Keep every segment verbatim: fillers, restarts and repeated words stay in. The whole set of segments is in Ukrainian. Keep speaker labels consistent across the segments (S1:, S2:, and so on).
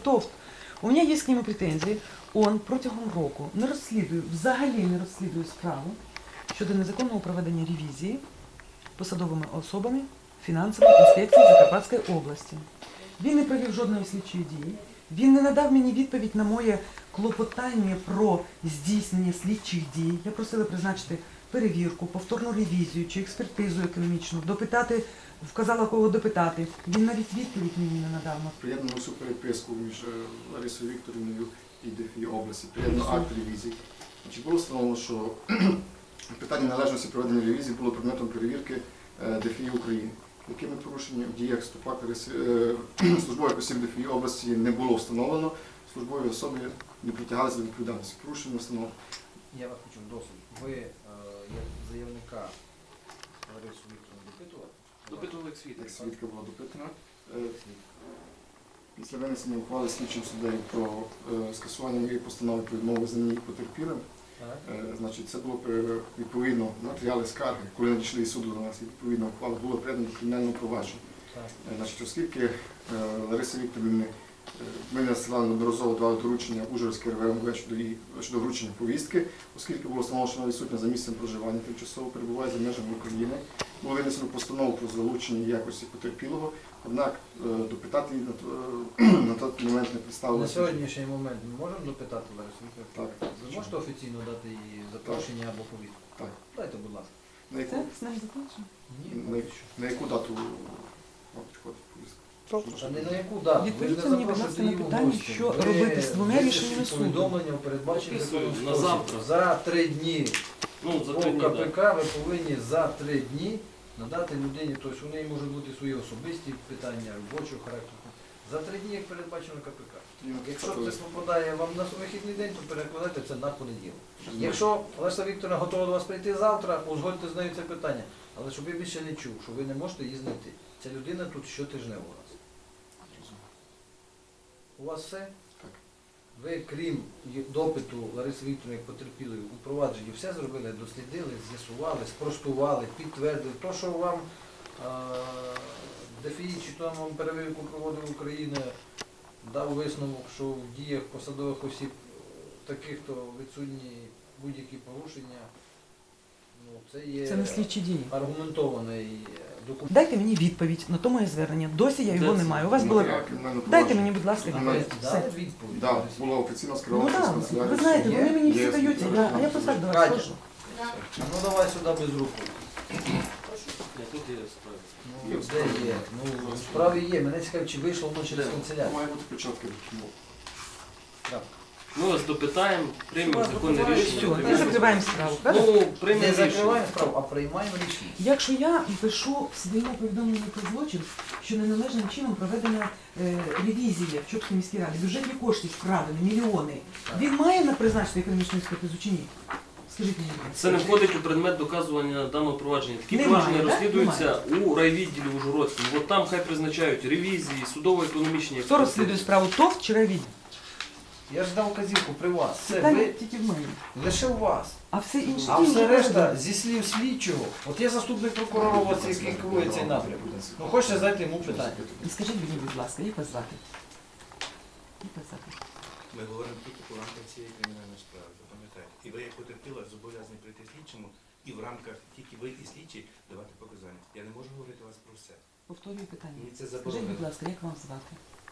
S1: ТОВ. У меня есть к нему претензии. Он протягом року не розслідує, взагалі не розслідує справу щодо незаконного проведення ревізії посадовими особами фінансової інспекції Закарпатської області. Він не провів жодної слідчої дії. Він не надав мені відповідь на моє клопотання про здійснення слідчих дій. Я просила призначити перевірку, повторну ревізію чи експертизу економічну, допитати, вказала кого допитати. Він навіть відповідь мені не надав.
S2: Приєднано всю переписку між Ларисою Вікторівною і ДФІ області, приєднано акт ревізії. Чи було встановлено, що питання належності проведення ревізії було предметом перевірки ДФІ України? Якими порушеннями в діях Ступак службових осіб ДФІ області не було встановлено, службові особи не притягалися до відповідальності. Порушення не встановлено.
S3: Я вас хочу досить. Ви е, як заявника Ларису Вікторовну допитували?
S4: Допитували як свідка.
S2: Як свідка була допитана. Після винесення ухвали слідчим суддею про е, скасування моєї постанови про відмову визнання їх потерпілим, е, значить, це було е, відповідно матеріали скарги, коли надійшли із суду до нас, і відповідно ухвала було передано до кримінального провадження. Е, значить, оскільки е, Лариса Вікторівна, ми надсилали неодноразово давали доручення Ужгородській РВ МВ щодо, її, щодо вручення повістки, оскільки було встановлено, що вона відсутня за місцем проживання, тимчасово перебуває за межами України. Було винесено постанову про залучення якості потерпілого, однак допитати її на той момент не представилося.
S3: На сьогоднішній момент ми можемо допитати Ларису Вікторівну?
S2: Так.
S3: Ви можете офіційно дати їй запрошення або повістку?
S2: Так.
S3: Дайте, будь ласка.
S2: На яку,
S1: Це з ним закінчено?
S3: Ні,
S2: на,
S3: поки що.
S2: на яку дату вам підходить повістка?
S3: Та не на яку дату. Ви ж
S1: Відповідьте
S3: не
S1: мені, будь ласка,
S3: запрошуєте
S1: на
S3: її в
S1: питання,
S3: гості.
S1: що
S3: Ви
S1: робити з двома
S3: випишіть
S1: рішеннями суду.
S3: повідомлення у передбаченні
S4: Підписую
S3: законом
S4: на
S3: спосіб.
S4: завтра.
S3: За три дні
S4: Ну, за
S3: по
S4: три дні,
S3: КПК
S4: так.
S3: ви повинні за три дні надати людині, тобто у неї можуть бути свої особисті питання, робочого характеру. За три дні, як передбачено КПК. Якщо це попадає вам на вихідний день, то перекладайте це на понеділок. Якщо Лариса Вікторівна готова до вас прийти завтра, узгодьте з нею це питання. Але щоб я більше не чув, що ви не можете її знайти. Ця людина тут щотижнево у нас. У вас все?
S2: Так.
S3: Ви, крім допиту Лариси Вікторівни як потерпілої у провадженні, все зробили, дослідили, з'ясували, спростували, підтвердили. То, що вам ДФІ чи там вам перевірку проводив Україна, дав висновок, що в діях посадових осіб таких, то відсутні будь-які порушення. Ну, це є
S1: Це не слідчі дії.
S3: аргументований документ.
S1: Дайте мені відповідь на то моє звернення. Досі я його
S4: Де
S1: не
S4: це?
S1: маю. У вас було...
S2: Матеріал кримінального
S1: Дайте
S2: провадження.
S1: мені, будь ласка,
S3: А
S2: Документ.
S3: ви
S1: відповідь.
S3: дали
S1: Все.
S3: відповідь?
S2: Так, було офіційно
S1: Ну
S2: скеровано через
S1: так,
S2: канцелярію.
S1: ви знаєте, вони мені всі
S2: Є
S1: дають,
S2: свідки.
S1: я- а я просто так до вас
S3: Катя.
S1: прошу.
S3: Ну давай сюди без руку.
S4: Ні, тут є справа.
S3: Ну, де є? Ну, в справі є. Мене цікавить, чи вийшло воно через
S4: Де?
S3: канцелярію.
S2: Має бути початки допомоги.
S3: Так.
S4: Ми вас допитаємо, приймемо
S3: Вас
S4: законне
S3: допитають,
S4: рішення.
S1: Все, ми
S4: приймемо.
S1: закриваємо справу, правда?
S4: Ну,
S3: Не
S4: приймемо
S3: закриваємо
S4: рішення.
S3: справу, а приймаємо рішення.
S1: Якщо я пишу в своєму повідомленні про злочин, що неналежним чином проведена е, ревізія в Чопській міській раді, бюджетні кошти вкрадені, мільйони, він має на призначити економічну експертизу чи ні? Скажіть мені. будь ласка.
S4: Це не входить у предмет доказування даного провадження. Такі
S1: Немає,
S4: провадження
S1: так?
S4: розслідуються у райвідділі Ужгородському. От там хай призначають ревізії, судово-економічні
S1: Хто розслідує справу, ТОВ чи райвідділ?
S3: Я ж дав вказівку при вас. Це
S1: Питання
S3: ви
S1: тільки в мене.
S3: лише у вас.
S1: А все інше
S3: А
S1: дії
S3: все
S1: вже
S3: решта
S1: проведені.
S3: зі слів слідчого. От я заступник прокурора, у вас який керує цей напрямок. Ну хочете задати йому питання?
S1: І скажіть мені, будь ласка, як вас звати? Як вас звати?
S5: Ми говоримо тільки по рамках цієї кримінальної справи, запам'ятайте. І ви, як потерпіла, зобов'язані прийти слідчому і в рамках тільки ви і слідчі давати показання. Я не можу говорити вас про все.
S1: Повторюю питання.
S5: Мені це
S1: Скажіть,
S5: заборонено.
S1: будь ласка, як вам звати?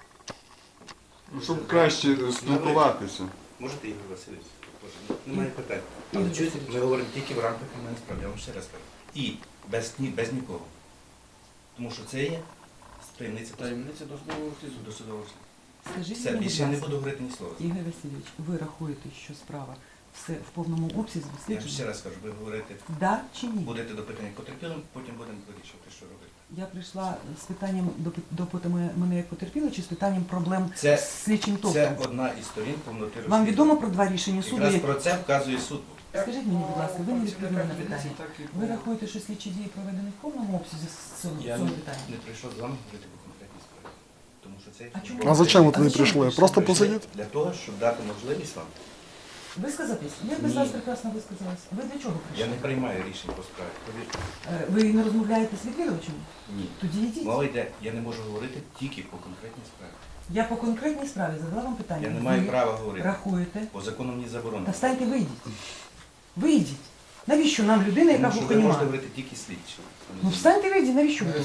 S6: Ну, щоб краще спілкуватися.
S5: Можете, Ігор Васильович? Боже, ну, немає питань.
S1: Ігор
S5: Але чуєте,
S1: Васильович.
S5: ми говоримо тільки в рамках кримінальної справи, я вам ще раз кажу. І без, ні, без нікого. Тому що це є таємниця
S3: Таємниця до судового слідства.
S5: до судового слідства.
S1: Скажіть
S5: Все,
S1: мені, будь
S5: більше я не
S1: ласка,
S5: буду говорити ні слова.
S1: Ігор Васильович, ви рахуєте, що справа все в повному обсязі
S5: Я вам ще
S1: досліджена?
S5: раз кажу, ви говорите,
S1: Да чи ні?
S5: будете допитані потерпілим, потім будемо вирішувати, що робити.
S1: Я прийшла з питанням допи- допити мене- мене як потерпіла чи з питанням проблем
S5: Це-
S1: з слідчим
S5: Це
S1: ТОВом?
S5: одна із сторін повноти
S1: Вам
S5: розслідування.
S1: відомо про два рішення суду?
S5: Якраз
S1: Як...
S5: про це вказує суд.
S1: Скажіть мені, будь ласка, ви не відповіли на питання.
S3: Так і
S1: Ви рахуєте, що слідчі дії проведені в повному обсязі з цього,
S5: Я
S1: цього
S5: не,
S1: питання?
S5: не прийшов з вами говорити по конкретній справі. Тому що це...
S1: А чому?
S6: А зачем ви
S1: А
S6: туди
S1: зачем
S6: прийшли?
S1: прийшли?
S6: Просто
S5: Прийшли
S6: посидіти?
S5: Для того, щоб дати можливість вам.
S1: Висказатись? Я без
S5: Ні.
S1: вас прекрасно висказалась. Ви для чого
S5: Я
S1: прийшли?
S5: не приймаю рішень по справі. Повірте.
S1: Е, Ви не розмовляєте з відвідувачем?
S5: Ні.
S1: Тоді йдіть.
S5: Мова йде, я не можу говорити тільки по конкретній справі.
S1: Я по конкретній справі задала вам питання.
S5: Я не маю
S1: Ви
S5: права говорити.
S1: рахуєте?
S5: По закону мені заборонено.
S1: Та встаньте, вийдіть. Вийдіть. Навіщо нам людина, яка
S5: Тому що ви
S1: глухоніма?
S5: можете говорити тільки слідчі.
S1: Ну встаньте, вийдіть, навіщо ви?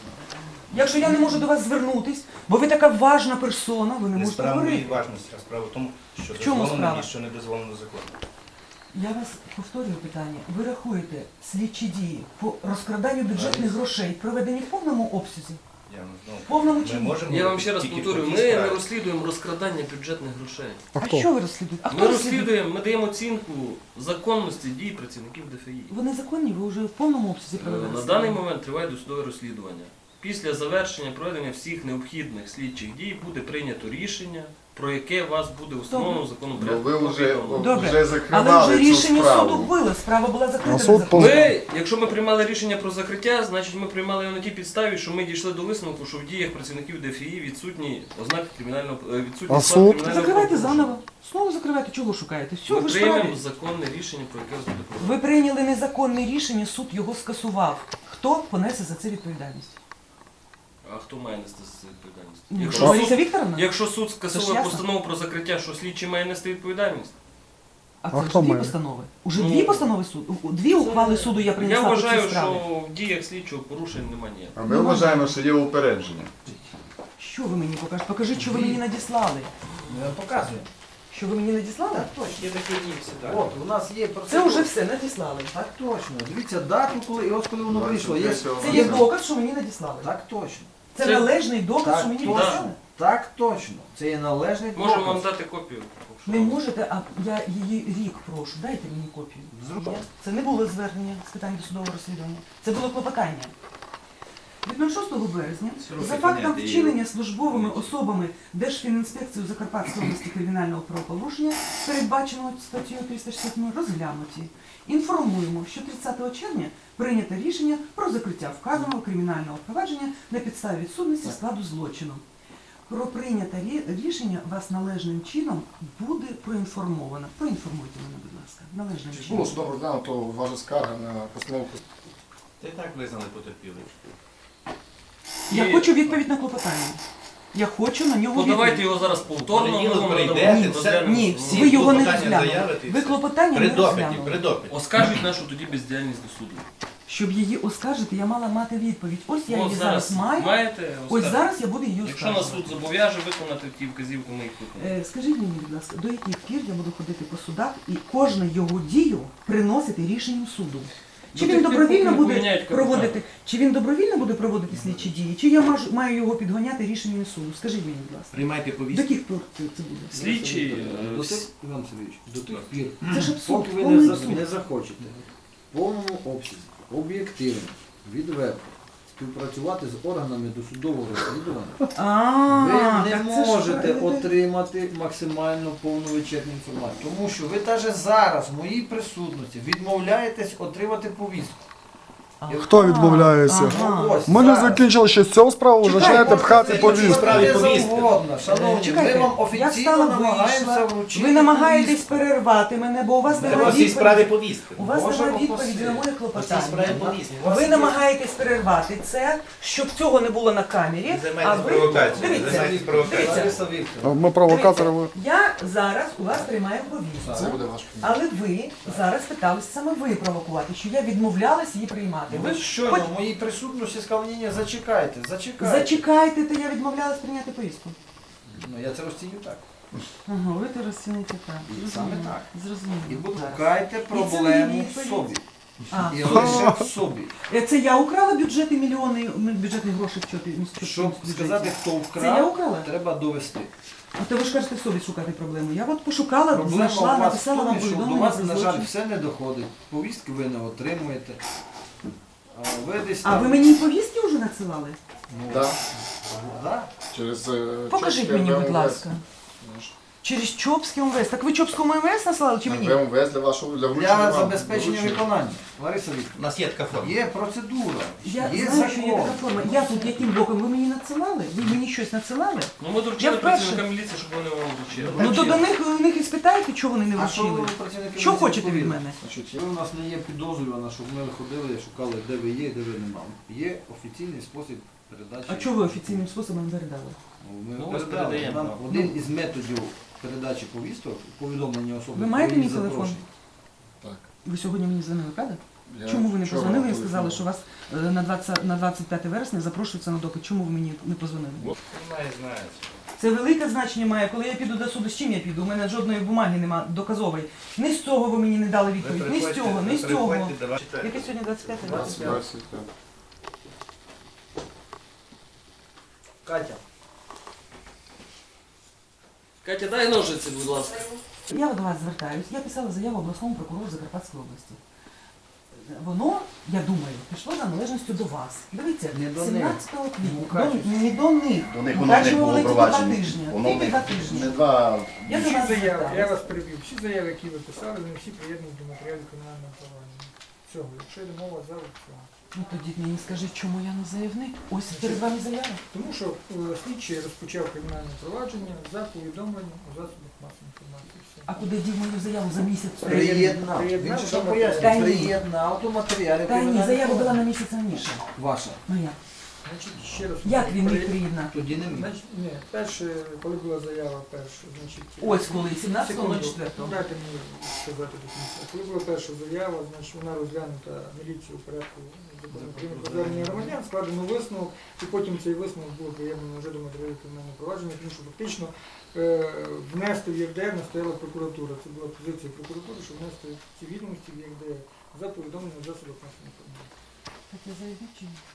S1: Якщо я не можу до вас звернутись, бо ви така важна персона, ви не
S5: Не
S1: можете
S5: справа моєї
S1: говорити.
S5: важності, а справа в тому, що
S1: В чому
S5: дозволено
S1: справа?
S5: і що не дозволено законом.
S1: Я вас повторюю питання. Ви рахуєте слідчі дії по розкраданню бюджетних грошей проведені в повному обсязі?
S5: Я не знаю.
S1: В повному
S5: Ми
S1: чині?
S5: можемо
S4: Я вам ще раз
S5: тільки
S4: повторюю,
S5: по
S4: ми
S5: тій
S4: не
S5: справі.
S4: розслідуємо розкрадання бюджетних грошей.
S1: А, що ви розслідуєте? А хто
S4: Ми
S1: розслідує?
S4: розслідуємо, ми даємо оцінку законності дій працівників ДФІ.
S1: Вони законні, ви вже в повному обсязі
S4: Е,
S1: провели
S4: На
S1: розслідування.
S4: даний момент триває досудове розслідування. Після завершення проведення всіх необхідних слідчих дій буде прийнято рішення, про яке вас буде установлено законом
S2: Ну,
S4: порядку.
S2: ви вже,
S4: повідомлено.
S1: Добре.
S2: вже
S1: Але
S2: закривали
S1: вже
S2: цю
S1: рішення
S2: справу.
S1: суду було, справа була закрита.
S7: А суд
S1: незаконно.
S4: Ми, якщо ми приймали рішення про закриття, значить ми приймали його на тій підставі, що ми дійшли до висновку, що в діях працівників ДФІ відсутні ознаки кримінального е, відсутні
S7: А
S4: склад
S7: суд?
S4: кримінального
S1: Закривайте
S4: правопорушення.
S1: заново. Знову закривайте, чого шукаєте? Все,
S4: Ми
S1: ви ж
S4: приймемо
S1: праві.
S4: законне рішення, про яке вас буде проведено.
S1: Ви прийняли незаконне рішення, суд його скасував. Хто понесе за це відповідальність?
S4: А хто має нести за це відповідальність?
S1: Ну,
S4: Якщо
S1: Лариса
S4: суд,
S1: Вікторовна?
S4: якщо суд
S1: Це ж
S4: скасовує
S1: ясно.
S4: постанову про закриття, що слідчий має нести відповідальність?
S1: А
S7: А
S1: це ж
S7: хто
S1: дві
S7: має?
S1: постанови. Уже
S4: Ну,
S1: дві постанови суду. Дві ухвали суду я
S4: Я
S1: принесла по цій
S4: вважаю,
S1: справі.
S4: що в діях слідчого порушень немає ніяких.
S6: А ми вважаємо, що є упередження.
S1: Що ви мені покажете? Покажіть, що ви мені надіслали.
S3: Ну, я показую.
S1: Що ви мені надіслали?
S3: Так точно.
S5: Є такі дні всі,
S3: От, у нас є
S1: Це
S3: процедура.
S1: вже все надіслали.
S3: Так точно. Дивіться дату, коли і ось коли воно вийшло. Є...
S1: Це є доказ, що мені надіслали.
S3: Так точно.
S1: Це
S4: Це-
S1: належний доказ,
S3: Так,
S1: що мені
S3: точно.
S1: надіслали.
S3: Так точно. Це є належний
S4: Можемо вам
S3: доказ.
S4: дати копію. якщо
S1: Не
S4: вам-
S1: можете, а я її рік прошу. Дайте мені копію.
S3: Зробимо.
S1: Є? Це не було звернення з питань досудового розслідування. Це було клопотання. Від шостого березня
S5: Сроки
S1: за фактом
S5: поняття,
S1: вчинення службовими особами Держфінінспекції Закарпатської області кримінального правопорушення, передбаченого статтею триста шістдесят сім, розглянуті. Інформуємо, що тридцятого червня прийнято рішення про закриття вказаного кримінального провадження на підставі відсутності складу злочину. Про прийняте рі- рішення вас належним чином буде проінформовано. Проінформуйте мене, будь ласка, належним
S2: Чи
S1: чином.
S2: було судом розглянуто ваша скарга на постанову?
S5: Та й так визнали потерпілих.
S1: Я
S4: І-
S1: хочу відповідь на клопотання. Я хочу на нього
S4: Подавайте
S1: відповідь.
S4: його зараз повторно.
S5: Понеділок
S4: ми вам
S5: прийдете,
S4: надамо
S5: все-
S4: розглянемо.
S1: Ні,
S5: Всі
S1: ви його не
S5: клопотання
S1: розглянули.
S5: заявите і
S1: Ви
S5: все.
S1: клопотання
S5: При
S1: не
S5: допиті,
S1: розглянули.
S5: при допиті.
S4: Оскаржіть нашу тоді бездіяльність до суду.
S1: Щоб її оскаржити, я мала мати відповідь. Ось я
S4: От
S1: її зараз маю.
S4: маєте,
S1: Ось
S4: оскаржіть.
S1: зараз я буду її
S4: Якщо нас
S1: оскаржувати.
S4: суд зобов'яже виконати ті вказівки, ми їх виконуємо.
S1: Е, Скажіть мені, будь ласка, до яких пір я буду ходити по судах і кожну його дію приносити рішенням суду? Чи
S4: До
S1: він
S4: тих пір,
S1: добровільно
S4: поки не
S1: буде
S4: поміняють капітан.
S1: проводити, чи він добровільно буде проводити слідчі дії, чи я маж- маю його підганяти рішенням суду? Скажіть мені, будь ласка.
S5: Приймайте
S1: До
S5: повістку.
S1: яких пір це це буде?
S4: Слідчі, е,
S3: До
S4: всі-
S3: тих, Іван Сергійович, до тих
S4: Так.
S3: пір,
S1: Це ж абсурд,
S3: поки ви
S1: повний
S3: не, за-
S1: абсурд.
S3: не захочете в повному обсязі, об'єктивно, відверто співпрацювати з органами досудового розслідування,
S1: А,
S3: ви не
S1: так це ж
S3: можете
S1: правильно.
S3: отримати максимально повну вичерпну інформацію. Тому що ви навіть зараз, в моїй присутності, відмовляєтесь отримати повістку.
S1: Ага.
S7: Хто відмовляється?
S1: Ага.
S3: Ось
S7: Ми не
S3: зараз.
S7: закінчили ще з цього справу, ви
S1: Чекайте,
S7: починаєте пхати
S5: це
S7: повістку.
S5: справі
S3: Не
S5: повістки.
S3: завгодно, шановні,
S1: Чекайте,
S3: ми вам
S1: я
S3: офіційно
S1: встала,
S3: намагаємося
S1: вийшла.
S3: вручити
S1: Ви намагаєтесь
S3: повістку.
S1: перервати мене, бо у вас
S5: Треба
S1: немає
S5: всі справі
S1: відповіді.
S5: повістки.
S1: У вас
S3: Боже
S1: немає
S3: упаси.
S1: відповіді на моє
S5: Всі
S1: клопотання.
S5: справи повістки.
S3: У вас
S1: Ви
S3: є-
S1: намагаєтесь перервати це, щоб цього не було на камері.
S5: Ви
S1: А
S5: займаєтесь
S1: ви
S5: провокацією.
S1: дивіться,
S5: Займаєтесь провокацією.
S1: дивіться,
S3: Лариса Вікторівна,
S7: Ми провокатори. ви-
S1: я зараз у вас приймаю
S2: Це
S1: повістку.
S2: буде ваш кабінет.
S1: Але ви зараз питалися саме ви провокувати, що я відмовлялась її приймати.
S3: ви
S1: Ви
S3: щойно
S1: хоч
S3: в моїй присутності сказали, ні, ні, зачекайте, зачекайте.
S1: зачекайте, то я відмовлялась прийняти повістку.
S3: Ну, я це розціню так.
S1: Ага, ви це розцінуєте так.
S3: І саме
S1: Зрозуміло.
S3: так.
S1: Зрозуміло.
S3: І будь
S1: Зараз.
S3: шукайте
S1: це
S3: проблему
S1: не
S3: в
S1: відповідь.
S3: собі.
S1: А,
S3: І лише в собі.
S1: е, це я украла бюджети мільйони м, бюджетних грошей в чоті.
S3: Щоб сказати, хто
S1: Це я
S3: вкрав,
S1: украла?
S3: треба довести.
S1: А то ви ж кажете в собі шукати проблему. Я от пошукала,
S3: Проблема
S1: знайшла,
S3: у вас в
S1: написала вам
S3: тому, що до
S1: повідомлення
S3: вас,
S1: про
S3: на жаль,
S1: злочин.
S3: все не доходить. Повістки ви не отримуєте. А ви десь
S1: А
S3: там...
S1: ви мені повістки вже надсилали?
S3: Ну,
S2: Да.
S3: да.
S2: Через е,
S1: Покажіть
S2: Чопське
S1: мені, будь
S2: ВМВС.
S1: ласка. Через Чопське МВС. Так ви Чопському МВС насилали чи мені?
S2: ВМВС для вашого для вручення
S3: Для
S2: вам.
S3: забезпечення
S2: Вручення.
S3: виконання. Лариса
S5: У
S3: Вікторівна,
S5: нас є така форма.
S3: є процедура,
S1: Я
S3: є
S1: знаю, що є
S3: закон.
S1: така форма. Я тут яким боком? Ви мені надсилали? Ви мені щось надсилали?
S4: Ну ми доручили
S1: Я вперше.
S4: працівникам міліції, щоб вони вам вручили.
S1: Ну то до них, у них і спитайте, чого вони не
S3: А що
S1: вручили.
S3: ви, працівники
S1: Що
S3: міліції,
S1: хочете від
S3: відповіли?
S1: мене?
S2: Значить,
S3: Ви у нас не є підозрювана, щоб ми ходили, шукали, де ви є, де ви нема. Є офіційний спосіб передачі.
S1: А чого ви офіційним способом передали?
S3: Ми
S4: Ну, ось
S3: передали.
S4: передаємо.
S3: Нам один із методів передачі повісток, повідомлення особи.
S1: Ви маєте
S3: про її
S1: мій телефон?
S3: запрошення.
S2: Так.
S1: Ви сьогодні мені дзвонили, правда?
S2: Я
S1: Чому ви не
S2: вчора
S1: позвонили і
S2: телефонував.
S1: сказали, що вас е, на двадцять на двадцять п'яте вересня запрошується на допит? Чому ви мені не позвонили?
S5: Немає значення.
S1: Це велике значення має. Коли я піду до суду, з чим я піду? У мене жодної бумаги немає доказової. Ні з цього ви мені не дали
S5: Ви
S1: відповідь, ні з
S5: приходьте-
S1: цього, ні
S5: ви
S1: з цього.
S5: приходьте, давайте.
S1: Яке сьогодні двадцять п'яте?
S2: двадцять п'яте.
S6: двадцять п'ять.
S3: Катя,
S4: Катя, дай ножиці, будь ласка.
S1: Я до вас звертаюсь. Я писала заяву обласному прокурору Закарпатської області. Воно, я думаю, пішло за належністю до вас. Дивіться,
S3: Не до них.
S1: сімнадцятого
S3: Ну,
S1: квітня.
S3: Катя.
S1: До, не до них.
S8: До них воно не
S1: Дальше
S8: було
S1: воно тільки два
S8: провадження.
S1: тижні.
S8: Воно
S1: Тільки
S8: не,
S1: два тижні.
S8: не два.
S1: Я до
S9: Всі
S1: вас
S9: заяви, я
S1: зверталась.
S9: вас перебив, всі заяви, які ви писали, вони всі приєднані до матеріалів кримінального провадження. Всього, якщо йде мова за цього.
S1: Ну тоді мені скажіть, чому я не заявник? Ось перед вами заява.
S9: Тому що е, слідчий розпочав кримінальне провадження за повідомленням у засобах масової інформації. Все.
S1: А куди дів мою заяву за місяць?
S3: приєднав. Він
S9: Приєднав
S3: же
S9: до
S3: що
S9: матеріалів.
S3: пояснює,
S1: Та ні.
S3: приєднав до матеріалів.
S1: Та ні,
S3: кримінального
S1: заява була
S3: провадження.
S1: на місяць раніше.
S3: Ваша.
S1: Моя.
S9: Значить, ще раз.
S1: Як він міг
S9: При-
S1: приєднати?
S3: Тоді не міг.
S9: Значить, ні, перше, коли була заява перша, значить...
S1: Ось коли, сімнадцятого
S9: Секунду,
S1: четвертого.
S9: Дайте мені сказати до кінця. Коли була перша заява, значить вона розглянута міліцією у порядку закону України про звернення громадян, складено висновок, і потім цей висновок було приємлено вже до матеріалів кримінального провадження, тому що фактично е, внести в ЄРДР настояла прокуратура. Це була позиція прокуратури, щоб внести ці відомості в ЄРДР за повідомлення засобів масової інформації.
S1: Так я заявник чи ні?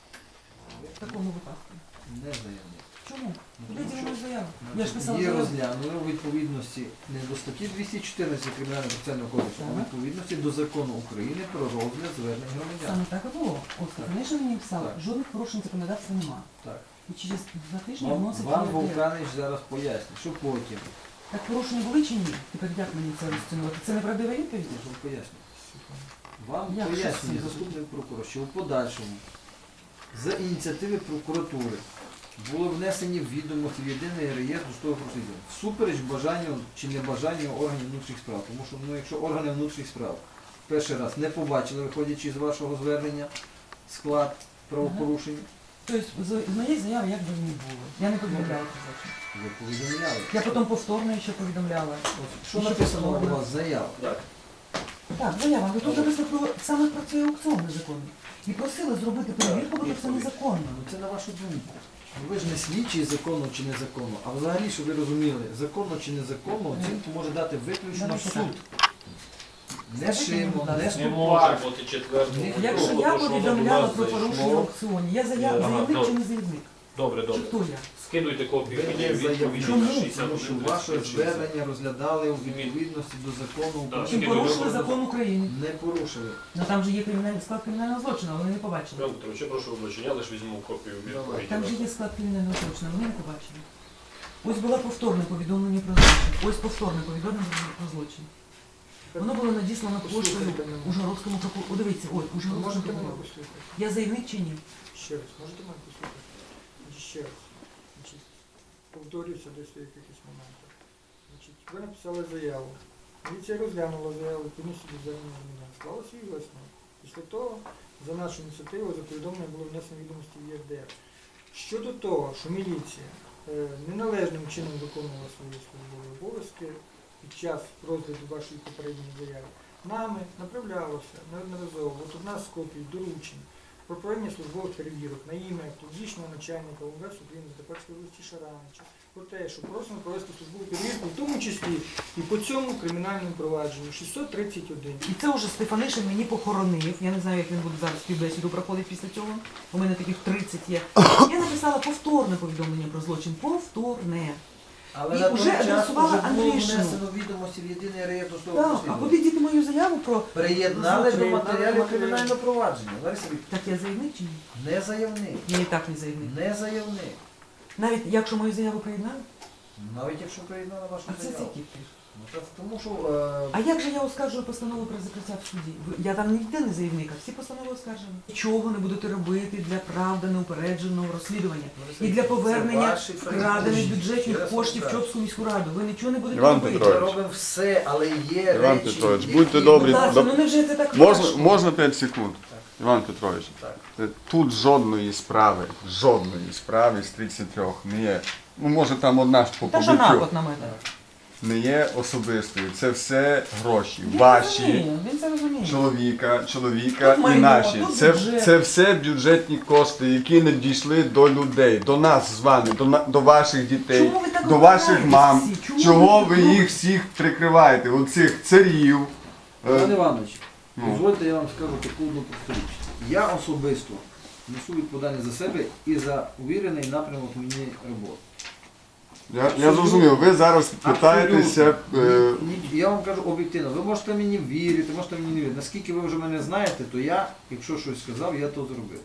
S1: В такому випадку.
S3: Не заявник.
S1: Чому?
S3: Ну,
S1: Куди
S3: тому
S1: діла
S3: що-
S1: мою заяву? Я ж писала
S3: Її
S1: заяву.
S3: розглянули у відповідності не до статті двісті чотирнадцять Кримінального процесуального кодексу, а у
S1: Так.
S3: відповідності до закону України про розгляд звернень громадян.
S1: Саме так і було. Оскар, раніше мені писали,
S3: Так.
S1: жодних порушень законодавства нема.
S3: Так.
S1: І через два тижні
S3: Вам,
S1: вносить
S3: вам
S1: ЄРДР.
S3: Вовканич зараз пояснить, що потім.
S1: Так порушення були чи ні? Тепер як мені це розцінувати? Це неправдива відповідь?
S3: Я ж вам поясню. Вам
S1: Як
S3: пояснює
S1: щось
S3: заступник прокурора, що у подальшому за ініціативи прокуратури були внесені відомості в єдиний реєстр судових розслідувань. Всупереч бажанню чи небажанню органів внутрішніх справ. Тому що ну, якщо органи внутрішніх справ перший раз не побачили, виходячи з вашого звернення, склад правопорушення,
S1: Тобто з з моєї заяви як би не було. Я не повідомляю про злочин.
S3: ви повідомляли.
S1: Я потім повторно ще повідомляла.
S3: От, що
S1: І ще
S3: написано
S1: повторно.
S3: у вас заява?
S1: Так, заява, ви тут написано про саме про цей аукціон незаконний. І просили зробити перевірку, бо це незаконно.
S3: Ну це на вашу думку. Ну, ви ж не слідчий законно чи незаконно, а взагалі, щоб ви розуміли, законно чи незаконно оцінку може дати виключно
S1: Давайте
S3: суд. Не
S1: Скажіть
S3: шимо,
S1: мені, будь
S3: не
S1: ласка.
S4: Не
S3: ступор.
S4: може бути четвертого.
S3: Ні,
S1: Якщо
S4: Тому
S1: я
S4: що воно до
S1: повідомляла
S4: нас
S1: про порушення в
S4: зайшло.
S1: аукціоні, я зая...
S4: Ага,
S1: заявник чи
S4: добре.
S1: не заявник?
S4: Добре,
S1: Чи
S4: добре.
S1: хто я?
S4: Скидуйте копію
S3: Ви
S4: мені
S3: не
S4: відповіді
S3: заявник,
S1: Чому?
S4: на
S3: тому
S4: шістдесят
S3: що
S4: один
S3: ваше
S4: тридцять шість.
S3: звернення розглядали у відповідності до закону
S4: Так.
S3: України.
S1: Чим
S4: Скидуйте
S1: порушили
S4: копію.
S1: закон України?
S3: Не порушили.
S1: Ну там же є кримінальний склад кримінального злочину, а вони не побачили.
S4: Петро Петрович, я прошу вибачення, я лише візьму копію відповіді.
S1: Там же є склад кримінального злочину, вони не побачили. Ось було повторне повідомлення про злочин. Ось повторне повідомлення про злочин. Воно було надіслано поштою
S9: Послухайте мене.
S1: Ужгородському прокурору. О, дивіться, ой, Ужгородському
S9: Можете мене
S1: прокурору.
S9: послухати?
S1: Я заявник чи ні?
S9: Ще раз, можете мене послухати? Значить, ще раз. Значить, повторюся десь в якихось моментах. Значить, ви написали заяву. Міліція розглянула заяву, комісію до звернення громадян. Склала свій висновок. Після того, за нашу ініціативу, за повідомлення було внесено відомості в ЄРДР. Щодо того, що міліція е, неналежним чином виконувала свої службові обов'язки під час розгляду вашої попередньої заяви, нами направлялося неодноразово, от одна з копій доручень про проведення службових перевірок на ім'я тодішнього начальника УМВС України Закарпатської області Шаранича про те, що просимо провести службову перевірку, в тому числі і по цьому кримінальному провадженню шістсот тридцять один.
S1: І це вже Стефанишин мені похоронив. Я не знаю, як він буде зараз співбесіду проходить після цього. У мене таких тридцять є. Я написала повторне повідомлення про злочин. Повторне.
S3: Але
S1: І
S3: на
S1: уже
S3: той час
S1: адресувала
S3: вже було
S1: Андрішину.
S3: внесено відомості в єдиний реєстр судових
S1: Так, а
S3: розслідувань.
S1: куди діти мою заяву про...
S3: Приєднали до
S9: Приєднали
S3: матеріалів
S9: до
S3: кримінального провадження. Лариса Вікторівна,
S1: Так я заявник чи ні?
S3: не заявник.
S1: Я і так не заявник.
S3: Не заявник.
S1: Навіть якщо мою заяву приєднали?
S3: Навіть якщо приєднали вашу
S1: А це
S3: заяву.
S1: який пір?
S3: Ну, так, тому що е,
S1: А як же я оскаржую постанову про закриття в суді? Ви- Я там ніде не заявник, а всі постанови оскаржені. Нічого не будете робити для правди неупередженого розслідування. І для повернення
S3: ваші
S1: вкрадених
S3: передбачення.
S1: бюджетних
S3: Ще раз
S1: коштів в
S3: повторюю.
S1: Чопську міську раду. Ви нічого не будете
S6: Іван
S1: робити.
S3: ми
S6: Петрович.
S3: робимо все, але є
S6: Іван
S3: речі,
S6: Петрович,
S3: які-
S6: будьте
S1: Будь
S6: добрі.
S1: ласка,
S6: Доп-
S1: ну невже це так
S6: Можна,
S1: важко?
S6: можна п'ять секунд? Іван Петрович,
S3: Так.
S6: тут жодної справи, жодної справи з тридцять трьох не є ну може там одна ж по
S1: Та що
S6: побиттю,
S1: напад на мене?
S6: не є особистою. Це все гроші.
S1: Він
S6: Ваші,
S1: розуміє, він це розуміє.
S6: чоловіка, чоловіка
S1: Тут
S6: і
S1: майно,
S6: наші.
S1: тут
S6: Це,
S1: бюджет.
S6: це все бюджетні кошти, які не дійшли до людей, до нас з вами, до, на- до ваших дітей,
S1: Чому ви так
S6: до ваших
S1: ображаєтесь
S6: мам.
S1: всі? Чому
S6: Чого
S1: ви
S6: ви
S1: так
S6: їх всіх прикриваєте? Оцих царів. е,
S3: Іван Іванович,
S6: Ну.
S3: дозвольте, я вам скажу таку одну просту річ. Я особисто несу відповідальність за себе і за увірений напрямок мені роботи.
S6: Я, я зрозумів, ви зараз питаєтеся. е,
S3: Ні, ні, я вам кажу об'єктивно, ви можете мені вірити, можете мені не вірити. Наскільки ви вже мене знаєте, то я, якщо щось сказав, я то зробив.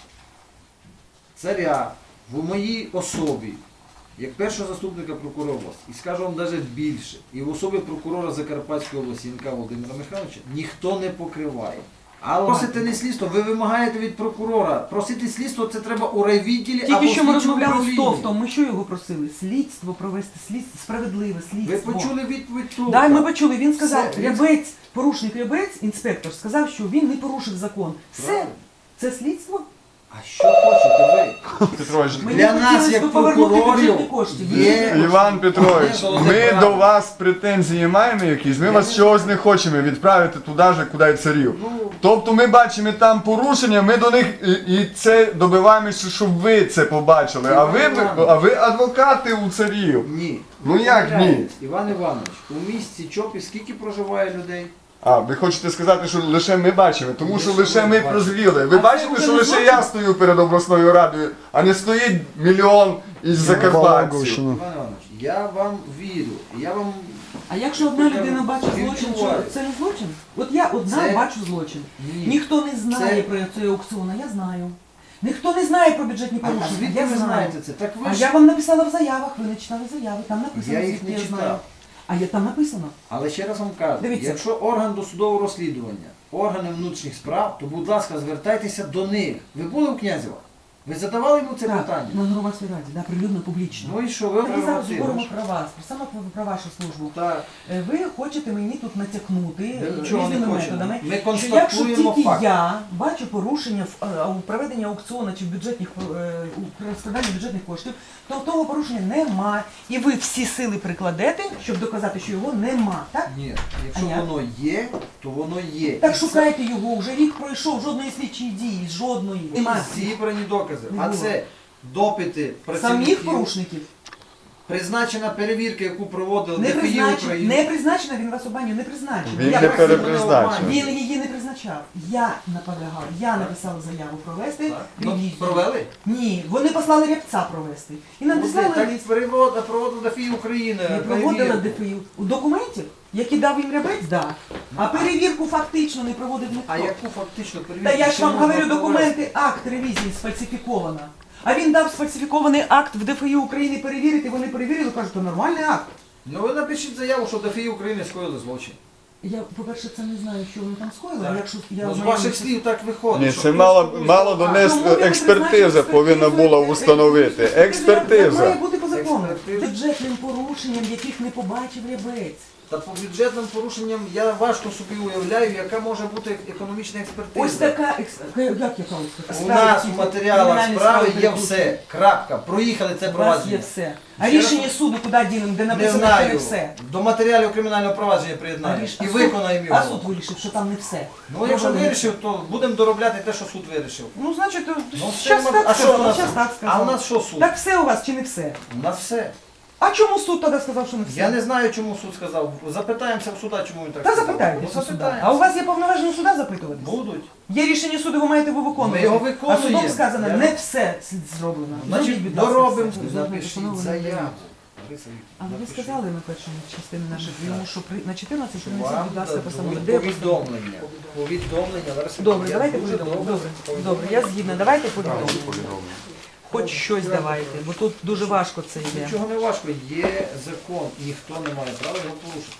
S3: Царя в моїй особі, як першого заступника прокурора області, і скажу вам навіть більше, і в особі прокурора Закарпатської області Янка Володимира Михайловича ніхто не покриває. Але просите не слідство, ви вимагаєте від прокурора. Просити слідство це треба у райвідділі або
S1: Тільки що ми
S3: слідчому
S1: розмовляли з
S3: управлінні.
S1: Товтом, ми що його просили? Слідство провести, слідство, справедливе слідство.
S3: Ви почули відповідь Товта?
S1: Так, ми почули, він сказав,
S3: Все, він-
S1: Рябець, порушник Рябець, інспектор, сказав, що він не порушив закон. Все,
S3: Правильно.
S1: це слідство?
S3: А що хочете ви?
S6: Петрович,
S1: Мені
S3: Для нас,
S1: хотілося
S3: як
S1: б повернути
S3: прокурорів,
S1: бюджетні кошти.
S3: є-
S6: Іван Петрович,
S3: Володимир
S6: ми
S3: Петрович.
S6: до вас претензії маємо якісь, ми вас чогось не хочемо відправити туди ж, куди й царів.
S3: Ну,
S6: Тобто ми бачимо там порушення, ми до них і, і це добиваємося, щоб ви це побачили. А ви, а ви адвокати у царів.
S3: ні.
S6: Ну як ні?
S3: Помиляєтесь. Іван Іванович, у місті Чопі скільки проживає людей?
S6: А, ви хочете сказати, що лише ми бачимо, тому що
S3: Лише
S6: лише
S3: ми
S6: ми
S3: бачимо.
S6: прозвіли. Ви
S1: А це
S6: бачите,
S1: вже
S6: що
S1: не
S6: лише
S1: злочин?
S6: я стою перед обласною радою, а не стоїть мільйон із закарпатців.
S7: Балагощина.
S3: Іван Іванович, я вам вірю. Я вам
S1: А якщо одна людина бачить
S3: Він
S1: злочин, що
S3: чуває.
S1: це не злочин? От я одна
S3: Це-
S1: бачу злочин.
S3: ні.
S1: Ніхто не знає
S3: Це-
S1: про цей аукціон, а я знаю. Ніхто не знає про бюджетні
S3: А, а
S1: порушення,
S3: звідки
S1: я
S3: ви
S1: знаю.
S3: знаєте це? Так ви
S1: А
S3: ж...
S1: я вам написала в заявах, ви не читали заяви, там написано,
S3: Я їх
S1: звідки
S3: не
S1: я
S3: читав.
S1: знаю. А я там написано.
S3: Але ще раз вам кажу,
S1: Дивіться.
S3: якщо орган досудового розслідування, органи внутрішніх справ, то будь ласка, звертайтеся до них. Ви були у Князєва? Ви задавали йому це
S1: так,
S3: питання?
S1: на громадській раді, да, прилюдно, публічно.
S3: Ну і що, ви
S1: Ми зараз
S3: прерогативу.
S1: говоримо про вас, про саме про, про вашу службу.
S3: Так,
S1: Е, Ви хочете мені тут натякнути
S3: ми
S1: е,
S3: нічого не
S1: різними
S3: хочемо.
S1: методами,
S3: Ми
S1: що якщо
S3: констатуємо
S1: тільки
S3: факт.
S1: я бачу порушення в е, у проведенні аукціону чи в бюджетних е, у розкладанні бюджетних коштів, то того порушення нема. І ви всі сили прикладете, щоб доказати, що його нема. Так?
S3: Ні, якщо
S1: А як?
S3: воно є, то воно є.
S1: Так
S3: І це-
S1: шукайте його, вже рік пройшов, жодної слідчої дії, жодної. Нема.
S3: Зібрані докази.
S1: Не
S3: А
S1: було.
S3: це допити
S1: Самих
S3: працівників,
S1: порушників.
S3: призначена перевірка, яку проводили
S1: Не
S3: ДФІ
S1: призначено,
S3: України.
S1: не призначено, він вас обманює, не призначено.
S6: Він
S1: Я
S6: не
S1: вас-
S6: перепризначив.
S1: Він її не призначав. Я наполягав, я написала заяву провести
S3: Так. Ну,
S1: ревізію.
S3: провели?
S1: Ні, вони послали рябця провести. І надіслали
S3: Так
S1: лист.
S3: перевод- проводила ДФІ України.
S1: Не проводила
S3: перевірку.
S1: ДФІ. У документів, які дав їм рябець, да. А перевірку фактично не проводив ніхто.
S3: А яку фактично перевірку?
S1: Та я ж
S3: ще
S1: вам
S3: можна
S1: говорю,
S3: провести?
S1: документи, акт ревізії сфальсифіковано. А він дав сфальсифікований акт в ДФІ України перевірити, вони перевірили, кажуть, то нормальний акт.
S3: Ну ви напишіть заяву, що ДФІ України скоїли злочин.
S1: Я, по-перше, це не знаю, що вони там скоїли,
S3: Так.
S1: а якщо я
S3: Ну, з
S1: знаю,
S3: ваших
S1: що-
S3: слів так виходить.
S6: Ні,
S3: що
S6: це
S3: хтось
S6: мало,
S3: комусь
S6: мало
S3: допомагає.
S6: донести,
S1: Тому ви
S6: експертиза
S1: призначите
S6: повинна
S1: експертизу,
S6: була установити.
S1: Як має
S6: Експертиза.
S1: бути по закону?
S3: Експертиза.
S1: Бюджетним порушенням, яких не побачив рябець.
S3: Та по бюджетним порушенням я важко собі уявляю, яка може бути економічна експертиза.
S1: Ось така, екс- як яка ось
S3: У нас у матеріалах справи є все. Крапка. Проїхали це
S1: У вас є
S3: провадження.
S1: все. А
S3: Ще
S1: рішення
S3: раз-
S1: суду куди дінемо, де
S3: Не
S1: написано, що
S3: знаю.
S1: не все.
S3: До матеріалів кримінального провадження
S1: А
S3: приєднаємо
S1: ріш-
S3: і
S1: а суд-
S3: виконаємо
S1: А
S3: його.
S1: суд вирішив, що там не все.
S3: Ну якщо
S1: Провели.
S3: вирішив, то будемо доробляти те, що суд вирішив.
S1: Ну, значить,
S3: Ну,
S1: щас
S3: це ми-
S1: так
S3: а що
S1: сказав,
S3: у нас?
S1: щас так
S3: А
S1: сказав.
S3: у нас що суд?
S1: Так все у вас чи не все?
S3: У нас все.
S1: А чому суд тоді сказав, що не все?
S3: Я не знаю, чому суд сказав. Запитаємося в суда, чому він так
S1: Та
S3: сказав.
S1: запитайтеся
S3: Ну,
S1: суда.
S3: запитаємося.
S1: А у вас є повноваження суда запитувати?
S3: Будуть.
S1: Є рішення суду, ви маєте його виконувати.
S3: Ми його
S1: А
S3: виконуємо.
S1: судом сказано,
S3: Я-
S1: не все зроблено.
S3: Значить,
S1: Зробіть, будь ласка,
S3: доробимо.
S1: все. Зробіть
S3: Напишіть
S1: постанову,
S3: заяву.
S1: Лариса А ви
S3: Напишіть.
S1: сказали на першому частині наших прийому, що при, на чотирнадцять принесіть,
S3: Вам
S1: будь ласка, постанову.
S3: дадуть
S1: Де постанова?
S3: повідомлення. Повідомлення. Лариса,
S1: Добре,
S3: я
S1: давайте
S3: дуже
S1: повідомимо.
S3: добре
S1: Добре,
S3: повідомлю.
S1: добре, я згідна. Давайте повідомимо. Хоч щось давайте, бо тут дуже важко це йде.
S3: Нічого не важко. Є закон, ніхто не має права його порушити.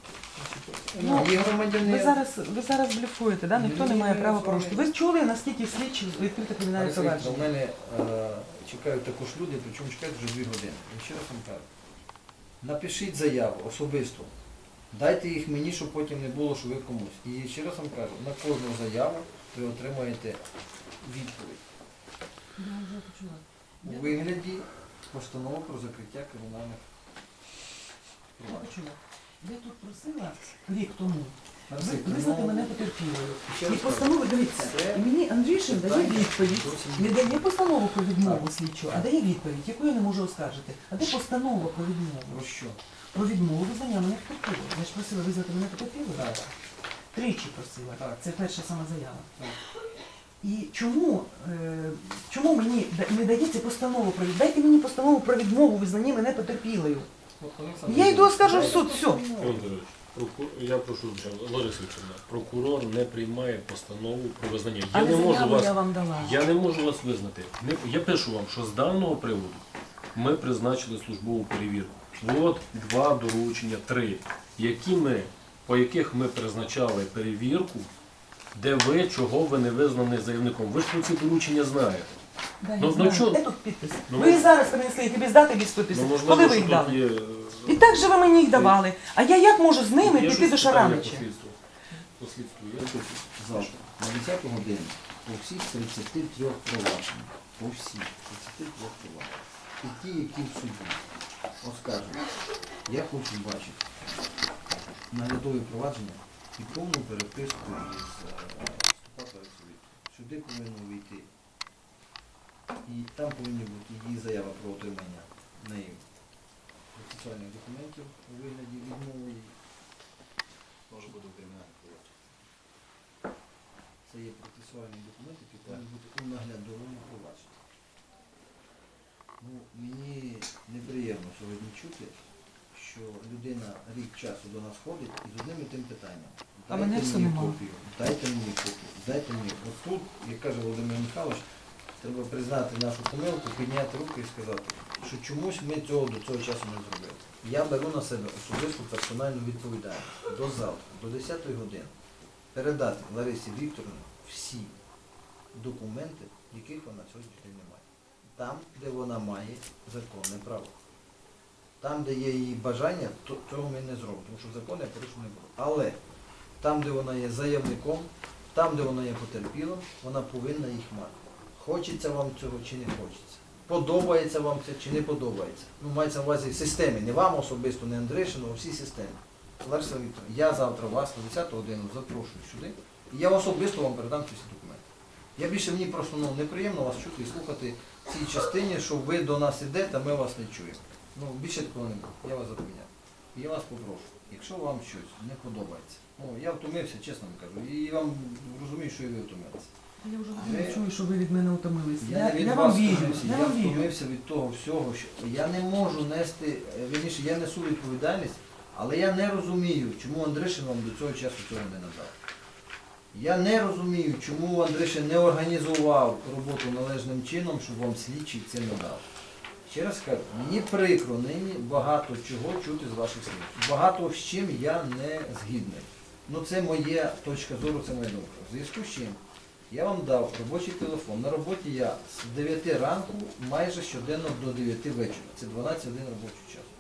S1: Ну,
S3: Є
S1: Ви
S3: громадянин.
S1: зараз, ви зараз блефуєте, да? Ніхто не
S3: Ні,
S1: має
S3: ні,
S1: права
S3: з вами-
S1: порушити. Ви чули, наскільки слідчі відкрите кримінальне
S3: Лариса Вікторівна,
S1: провадження?
S3: У мене е, чекають також люди, причому чекають вже дві години. Я ще раз вам кажу. Напишіть заяву особисто. Дайте їх мені, щоб потім не було, що ви комусь. І ще раз вам кажу, на кожну заяву ви отримаєте відповідь. У вигляді постанову про закриття кримінальних
S1: Я
S3: проваджень.
S1: почула. Я тут просила рік тому
S3: Арсеній,
S1: ви- визнати
S3: ну,
S1: мене потерпілою.
S3: ще
S1: І
S3: раз
S1: постанову, дивіться,
S3: Це
S1: і мені Андрішин дає
S3: питання
S1: відповідь.
S3: зовсім
S1: Не
S3: інше.
S1: дає постанову про відмову слідчого, а дає відповідь, яку я не можу оскаржити. А де постанова про відмову?
S3: Про що?
S1: Про відмову визнання мене потерпілою. Я ж просила визнати мене потерпілою.
S3: Так.
S1: Тричі просила.
S3: Так.
S1: Це перша сама заява.
S3: Так.
S1: І чому, е, чому мені да- не дається постанова про відмову? Дайте мені постанову про відмову визнанні мене потерпілою. Я йду оскаржу в суд, все.
S8: Іван Григорович, проку- я прошу, Лариса Вікторівна, прокурор не приймає постанову про визнання. Я
S1: Але
S8: не можу
S1: заяву
S8: вас,
S1: я вам дала.
S8: я не можу вас визнати. Не- Я пишу вам, що з даного приводу ми призначили службову перевірку. От два доручення, три, які ми, по яких ми призначали перевірку, де ви, чого ви не визнані заявником. Ви ж про ці доручення знаєте.
S1: Да, я
S8: Ну, ну,
S1: знаю.
S8: чо-
S1: Де тут підпис?
S8: Ну,
S1: ви зараз принесли їх і без дати, без підпису.
S8: Ну, можливо,
S1: Коли ви
S8: що
S1: їх
S8: тут
S1: дали?
S8: є...
S1: І так же ви мені їх давали. А я як можу з ними
S8: Є
S1: піти
S8: щось
S1: до
S8: питання
S1: Шаранича?
S8: по слідству? По слідству є?
S3: Завтра, на десяту годину, по всіх тридцяти трьох провадженнях, по всіх тридцяти трьох провадженнях, і ті, які в суді оскаржують, я хочу бачити наглядові провадження і повну переписку із вступати в Сюди повинно вийти. І там повинні бути її заява про отримання нею процесуальних документів у вигляді відмови.
S5: Може бути кримінальний провадження.
S3: Це є процесуальні документи, які повинні бути у наглядовому провадженні. Ну, мені неприємно сьогодні чути, що людина рік часу до нас ходить і з одним і тим питанням.
S1: А мене все
S3: мені
S1: нема.
S3: копію, дайте мені копію, дайте мені. От тут, як каже Володимир Михайлович, треба признати нашу помилку, підняти руки і сказати, що чомусь ми цього до цього часу не зробили. Я беру на себе особисту персональну відповідальність до завтра, до десятої години, передати Ларисі Вікторівні всі документи, яких вона сьогодні день не має. Там, де вона має законне право. Там, де є її бажання, то цього ми не зробимо, тому що закон я порушив не буду. Але там, де вона є заявником, там, де вона є потерпілим, вона повинна їх мати. Хочеться вам цього чи не хочеться. Подобається вам це чи не подобається. Ну, мається на увазі в системі, не вам особисто, не Андришину, а всій системі. Лариса Вікторівна, я завтра вас на десяту годину запрошую сюди, і я особисто вам передам ці всі документи. Я більше мені просто ну, неприємно вас чути і слухати в цій частині, що ви до нас ідете, а ми вас не чуємо. Ну, більше такого не буде, я вас запевняю. І я вас попрошу, якщо вам щось не подобається, ну, я втомився, чесно вам кажу, і вам розумію, що і ви втомилися.
S1: Я вже
S3: Ви-
S1: не чую, що ви від мене утомилися.
S3: Я,
S1: Я,
S3: не від
S1: я
S3: вас
S1: вам вірю.
S3: втомився,
S1: Я
S3: я
S1: вам вірю.
S3: втомився від того всього, що я не можу нести, е, вірніше, я несу відповідальність, але я не розумію, чому Андришин вам до цього часу цього не надав. Я не розумію, чому Андришин не організував роботу належним чином, щоб вам слідчий це надав. Ще раз кажу, мені прикро нині багато чого чути з ваших слів. Багато з чим я не згідний. Ну це моя точка зору, це моя думка. В зв'язку з чим я вам дав робочий телефон. На роботі я з дев'яти ранку майже щоденно до дев'яти вечора. Це дванадцять годин робочого часу.